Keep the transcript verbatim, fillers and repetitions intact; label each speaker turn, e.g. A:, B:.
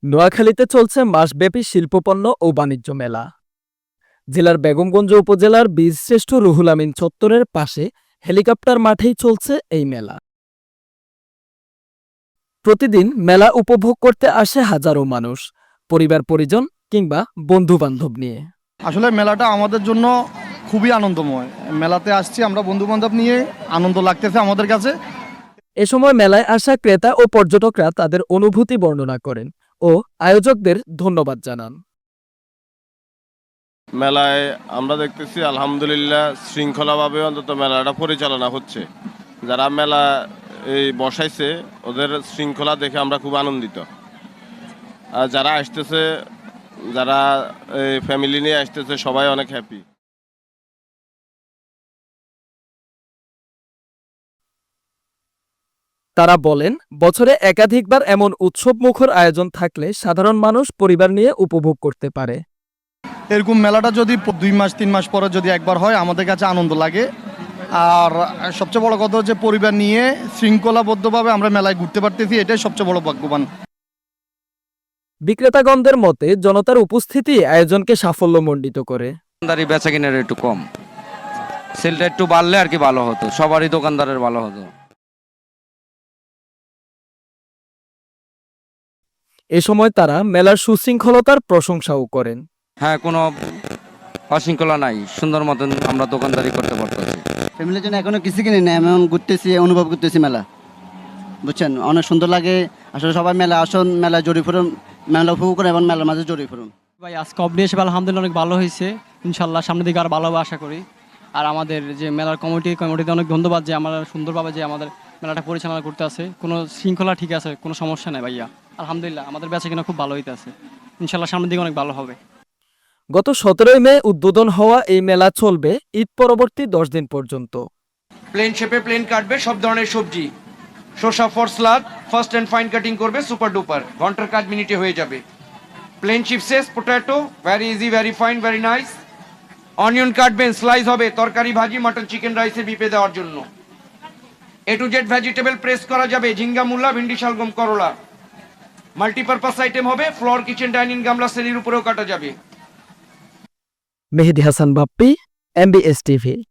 A: নোয়াখালীতে চলছে মাসব্যাপী শিল্পপণ্য ও বাণিজ্য মেলা। জেলার বেগমগঞ্জ উপজেলার বীরশ্রেষ্ঠ রুহুল আমিন চত্বরের পাশে হেলিকপ্টার মাঠেই চলছে এই মেলা। প্রতিদিন মেলা উপভোগ করতে আসে হাজারো মানুষ, পরিবার পরিজন কিংবা বন্ধু বান্ধব নিয়ে।
B: আসলে মেলাটা আমাদের জন্য খুবই আনন্দময়। মেলাতে আসছি আমরা বন্ধু বান্ধব নিয়ে, আনন্দ লাগতেছে আমাদের কাছে।
A: এ সময় মেলায় আসা ক্রেতা ও পর্যটকরা তাদের অনুভূতি বর্ণনা করেন ও আয়োজকদের ধন্যবাদ জানান।
C: মেলায় আমরা দেখতেছি আলহামদুলিল্লাহ শৃঙ্খলাভাবে অন্তত মেলাটা পরিচালনা হচ্ছে। যারা মেলা এই বসাইছে ওদের শৃঙ্খলা দেখে আমরা খুব আনন্দিত। আর যারা আসতেছে, যারা ফ্যামিলি নিয়ে আসতেছে, সবাই অনেক হ্যাপি।
A: তারা বলেন, বছরে একাধিকবার এমন উৎসবমুখর আয়োজন থাকলে সাধারণ মানুষ পরিবার নিয়ে উপভোগ করতে পারে।
B: এরকম মেলাটা যদি দুই মাস তিন মাস পরে যদি একবার হয় আমাদের কাছে আনন্দ লাগে। আর সবচেয়ে বড় কথা হচ্ছে পরিবার নিয়ে শৃঙ্খলাবদ্ধভাবে আমরা মেলায় ঘুরতে পারতেছি, এটাই সবচেয়ে বড় ভাগ্যবান।
A: বিক্রেতাগণদের মতে জনতার উপস্থিতি আয়োজনকে সাফল্যমণ্ডিত করে।
D: দোকানদারি বেচা কিনার একটু কম, সেলটা একটু বাড়লে আর কি ভালো হতো, সবারই দোকানদারের ভালো হতো।
A: এ সময় তারা মেলার সুশৃঙ্খলতার প্রশংসাও করেন।
D: হ্যাঁ, কোনো অশৃঙ্খলা নাই, সুন্দর মতন আমরা দোকানদারি করতে পারতেছি।
E: ফ্যামিলির জন্য এখনো কিছু কিনি না, এমন ঘুরতেছি, অনুভব করতেছি মেলা, বুঝছেন, অনেক সুন্দর লাগে। আসলে সবাই মেলা আসুন, মেলা জড়িয়ে পড়ুন, মেলা উপভোগ করে এবং মেলার মাঝে জড়িয়ে পড়ুন।
F: ভাই আজকে অবডি এসে আলহামদুলিল্লাহ অনেক ভালো হয়েছে, ইনশাল্লাহ সামনের দিকে আরো ভালো হবে আশা করি। আর আমাদের যে মেলার কমিটি কমিটিতে অনেক ধন্যবাদ যে আমরা সুন্দরভাবে যে আমাদের মেলাটা পরিচালনা করতে আছে। কোনো শৃঙ্খলা ঠিক আছে, কোনো সমস্যা নেই ভাইয়া, আলহামদুলিল্লাহ আমাদের বেচা কিনা খুব ভালো হইতে আছে, ইনশাল্লাহ সামনের দিকে অনেক ভালো হবে।
A: গত সতেরোই মে উদ্বোধন হওয়া এই মেলা চলবে ঈদ পরবর্তী দশ দিন পর্যন্ত।
G: প্লেন শেপে প্লেন কাটবে সব ধরনের সবজি, শসা for salad, first and fine cutting করবে সুপার ডুপার, ঘন্টার কাজ মিনিটে হয়ে যাবে। প্লেন চিপসেস, potato, very easy, very fine, very nice. Onion কাটবেন, স্লাইস হবে তরকারি, ভাজি, মাটন, চিকেন, রাইসের বিপে দেওয়ার জন্য। A to Z vegetable press করা যাবে, ঝিঙ্গা, মূলা, ভিন্ডি, শালগম, করলা। মাল্টিপারপাস আইটেম হবে, ফ্লোর, কিচেন, ডাইনিং, গামলা, শ্রেণীর উপরেও কাটা যাবে।
A: Mehedi Hasan Bappy, MBS TV.